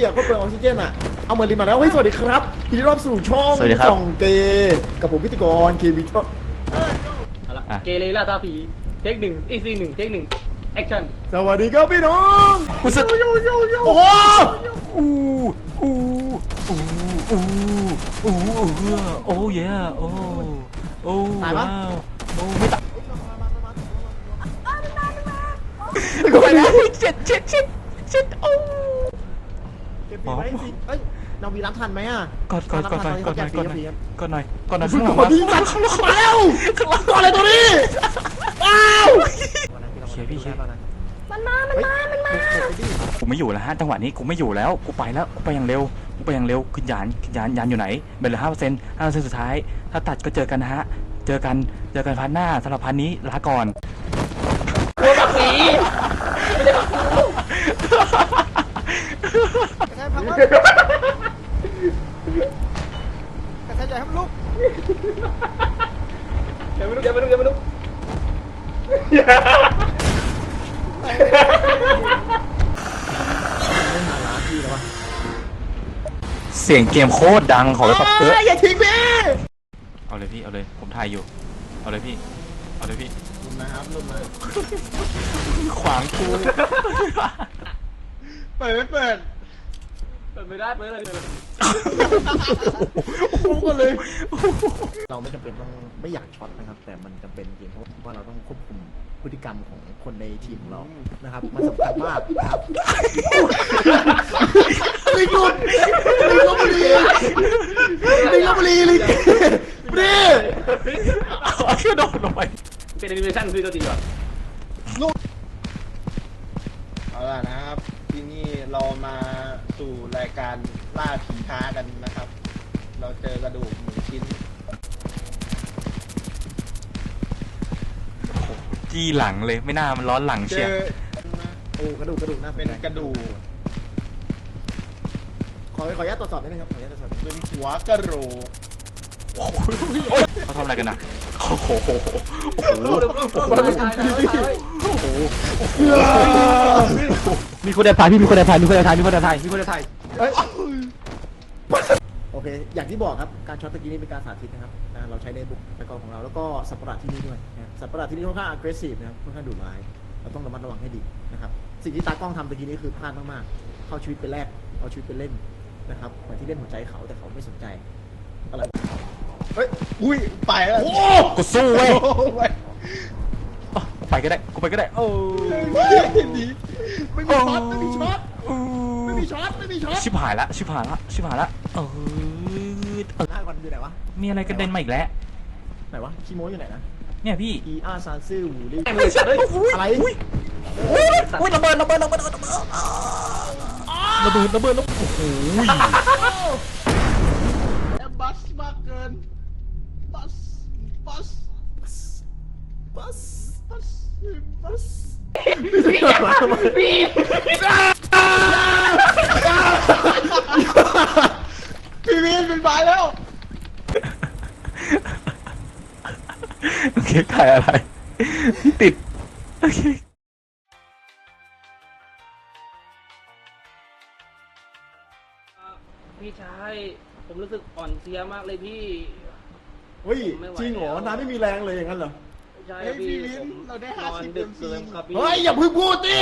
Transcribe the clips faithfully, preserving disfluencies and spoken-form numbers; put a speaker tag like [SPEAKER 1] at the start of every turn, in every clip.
[SPEAKER 1] อ่ะก็เปลืองออกซิเจนอ่ะเอาเมอร์ลินมาแล้วเฮ้ยสวัสดีครับยินดีต้อนรับสู่ช่องส่องเกย์กับผมพิธีกรเควิทเอาละ
[SPEAKER 2] เกเรล่าตาผีเทคหนึ่งอีซีหนึ่งเทคหนึ่งแอคชั่น
[SPEAKER 1] สวัสดีครับพี่น้องโยโยโยโยโอ้โห
[SPEAKER 3] อู้อู้อู้อู้อู้โอ้ยโอ้โอ้ว้าวโอ้ไม่ตายกูไปแล้วเจ็ดเจ็ดเจ็ดเจ็ดโอ้
[SPEAKER 1] เก็บปีไว้สิเอ้ยนาวีรับทันไหมอ่ะ
[SPEAKER 3] กดกดกดหน่อยกดหน่อยกดหน่อยกดหน่อยกดหน่อยข้างหลัง
[SPEAKER 1] กดดีจัดมาแล้วกดอะไรตัวนี้อ้าว
[SPEAKER 3] เชียร์พี่เชียร์
[SPEAKER 4] มันมา มันมา มันมา
[SPEAKER 3] กูไม่อยู่แล้วฮะจังหวะนี้กูไม่อยู่แล้วกูไปแล้วกูไปอย่างเร็วกูไปอย่างเร็วขึ้นยานขึ้นยานยานอยู่ไหนเบลเหลือห้าเปอร์เซ็นต์ห้าเปอร์เซ็นต์สุดท้ายถ้าตัดก็เจอกันนะฮะเจอกันเจอกันพันหน้าสำหรับพันนี้ลาก่อน
[SPEAKER 2] ตัวบักสีไม่ได้บักกู
[SPEAKER 1] ยังไงพังวะกระชายใหญ่ครับลูก
[SPEAKER 2] เดี๋ยวไม่รู้เดี๋ยวไม่รู้เดี๋ยวไม่รู้
[SPEAKER 3] เสียงเกมโคตรดังขอเลยครับเออ
[SPEAKER 1] อย่าทิ้งพี่
[SPEAKER 3] เอาเลยพี่เอาเลยผมถ่ายอยู่เอาเลยพี่เอาเลยพี่
[SPEAKER 1] ลุมนะครับลุมมา
[SPEAKER 3] ขวางกู
[SPEAKER 1] เปิดไม่เปิด
[SPEAKER 2] เปิดไม่ได้เปิดอะไรเลย
[SPEAKER 1] พุ่งกันเลยเราไม่จำเป็นต้องไม่อยากช็อตนะครับแต่มันจำเป็นจริงเพราะว่าเราต้องควบคุมพฤติกรรมของคนในทีมของเรานะครับมันสำคัญมากนะครับลิงลุดลิงลบบุรีลิงลบบุรีลิงบุรี
[SPEAKER 3] เอาเชือกโดดลงไป
[SPEAKER 2] เป็นแอนิเมชั่นคือตัวจริงก่อน
[SPEAKER 1] ลูกเอาล่ะนะครับที่นี่เรามาสู่รายการล่าผีท้ากันนะครับเราเจอกระดูกหนึ่งชิ้น
[SPEAKER 3] จี้หลังเลยไม่น่ามันร้อนหลังเชียว
[SPEAKER 1] โอ้กระดูกกระดูกน่าเป็นกระดูกขอขออนุญาตตรวจสอบนิดนึงครับขออนุญาตตรวจสอบเป็นหัวกระโหลก
[SPEAKER 3] เขาทำอะไรกันนะโอ้โหโอ้โหโอ้โห
[SPEAKER 2] มีคนแอบถ่ายพี่มีคนแอบถ่ายมีคนแอบถ่ายมีคนแอบถ่ายมีคนแอบถ่าย
[SPEAKER 1] โอเคอย่างที่บอกครับการช็อตตะกี้นี่เป็นการสาธิตนะครับเราใช้ในบุกตะกอนของเราแล้วก็สัตว์ประหลาดที่นี่ด้วยสัตว์ประหลาดที่นี่ค่อนข้าง aggressive นะครับค่อนข้างดุร้ายเราต้องระมัดระวังให้ดีนะครับสิ่งที่ตากล้องทำตะกี้นี้คือพลาดมากๆเข้าชีวิตไปแรกเอาชีวิตไปเล่นนะครับเหมือนที่เล่นหัวใจเขาแต่เขาไม่สนใจอะไรเฮ้ยอุ้ยไปแล้ว
[SPEAKER 3] โอ้กูสู้เว้ยไปก็ได้กูไปก็ได้โอ้
[SPEAKER 1] ดีไม่มีช็อตไม่มีช็อตไม่มีช็อตไม่มีช็อต
[SPEAKER 3] ชิบหายละชิบหายละชิบหายละเออ
[SPEAKER 1] หน้าก่อนอยู่ไหนวะ
[SPEAKER 3] มีอะไรกระเด็นมาอีกแล้ว
[SPEAKER 1] ไหนวะคีโมอยู่ไหนนะ
[SPEAKER 3] เนี่ยพี่
[SPEAKER 1] อีอาร์ซานซื่อหูลี่อะไร
[SPEAKER 3] อุ้ยอุ้ยระเบิดระเบิดระเบิดระเบิดระเบิดระเบิดระเบิดแล้วโอ้โห
[SPEAKER 1] แอมบัสมากเกินบัสบัสบัสบัสบัสพี่พี่วินเป็นฝ่ายแล้ว
[SPEAKER 3] โอเคถ่ายอะไรติดโอเค
[SPEAKER 2] พี่ชายผมรู้สึกอ่อนเพลียมากเลยพี่
[SPEAKER 1] เฮ้ยจริงเหรอน้าไม่มีแรงเลยอย่างนั้นเหรอ
[SPEAKER 2] ใช่พี่เราได้ห้าสิบดึกเกินครับพี่
[SPEAKER 1] เฮ้ยอย่าพึ่งพูดดิ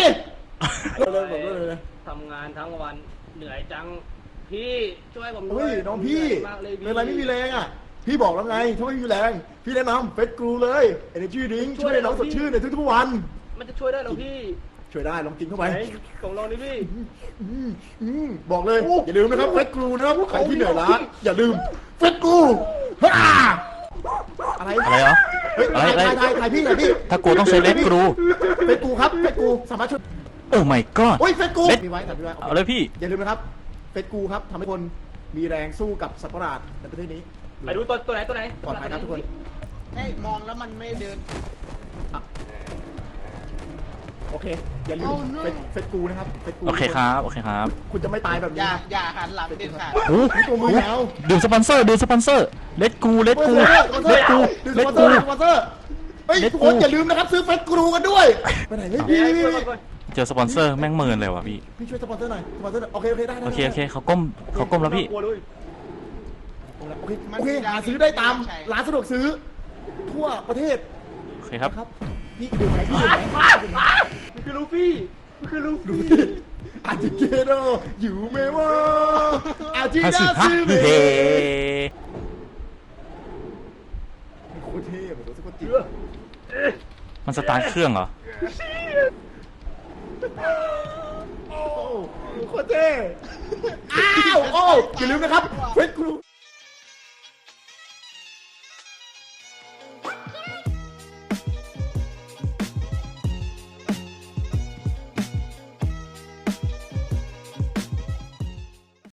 [SPEAKER 2] ทำงานทั้งวันเหนื่อยจังพี่ช่วยผมด้ว
[SPEAKER 1] ยเฮ้ยน้องพี่เป็นไรไม่มีแรงอ่ะพี่บอกแล้วไงถ้าไม่มีแรงพี่แนะนำเฟสกรูเลย Energy Drink ช่วยน้องสดชื่นในทุกๆวัน
[SPEAKER 2] มันจะช่วยได้หรอพี่
[SPEAKER 1] ช่วยได้ลองกินเข้าไป
[SPEAKER 2] ของเรานี่พี่
[SPEAKER 1] บอกเลยอย่าลืมนะครับเฟสกรูนะครับใครที่เหนื่อยล้าอย่าลืมเฟสกรูอะไร
[SPEAKER 3] อะไรเหรอ
[SPEAKER 1] เฮ้ยอะไรอะไรถ่ายพี่ถ่ายพี่
[SPEAKER 3] ถ้ากูต้องใช้เลสกรู
[SPEAKER 1] เฟสกรูครับเฟสกรูสามารถช่วย
[SPEAKER 3] โอ้ my god
[SPEAKER 1] โอ้ยเฟสกรูมีไว้ถ่ายพี่ไว้
[SPEAKER 3] เอาเลยพี่
[SPEAKER 1] อย่าลืมนะครับเฟสกรูครับทำให้คนมีแรงสู้กับสัตว์ประหลาดในประเทศนี้
[SPEAKER 2] ไปดูตัวตัวไหนตัวไหน
[SPEAKER 1] ปลอดภัยครับทุกคน
[SPEAKER 2] ให้มองแล้วมันไม่เดิน
[SPEAKER 1] โอเคอย่าลืมเฟสกูนะครับเฟสกู
[SPEAKER 3] โอเคครับโอเคครับ
[SPEAKER 1] คุณจะไม่ตายแบบนี้
[SPEAKER 2] อย่าอย่าหันหลังเด็ดขาด
[SPEAKER 1] โอ้โหตัวมือแล้ว
[SPEAKER 3] ดื่มสปอนเซอร์ดื่มสปอนเซอร์เลตกูเลตกูเลตกู
[SPEAKER 1] เลตกูสปอนเซอร์เฮ้ยทุกคนอย่าลืมนะครับซื้อเฟสกูกันด้วยไปไหนเลยพี่
[SPEAKER 3] เจอสปอนเซอร์แม่งเมินเลยว่ะพี่
[SPEAKER 1] พี่ช่วยสปอนเซอร์หน่อยสปอนเซอร์หน่อยโอเคโอเคได้ได้
[SPEAKER 3] โอเคโอเคเขาก้มเขาก้มแล้วพี่
[SPEAKER 2] กลัวด้วย
[SPEAKER 1] โอเคโอเคหาซื้อได้ตามร้านสะดวกซื้อ ทั่วประเทศ
[SPEAKER 3] โอเคครับ
[SPEAKER 1] ครับพี่ดูไหมพี่ดูไหม
[SPEAKER 2] มันคือลูฟี่มันคือลู
[SPEAKER 1] ดู
[SPEAKER 2] ฟี่
[SPEAKER 1] ดิอาจิเกโดอยู่เมวะอาจิ
[SPEAKER 3] ห้า
[SPEAKER 1] ดา
[SPEAKER 3] สิบห้า
[SPEAKER 1] ซึเม
[SPEAKER 3] เฮ้
[SPEAKER 1] โคตรเท่เหมือนโคตรจริง
[SPEAKER 3] มันสตาร์ทเครื่องเหรอ
[SPEAKER 1] โอ้โคตรเท่อ้าวโอ้อย่าลืมนะครับเฟซครู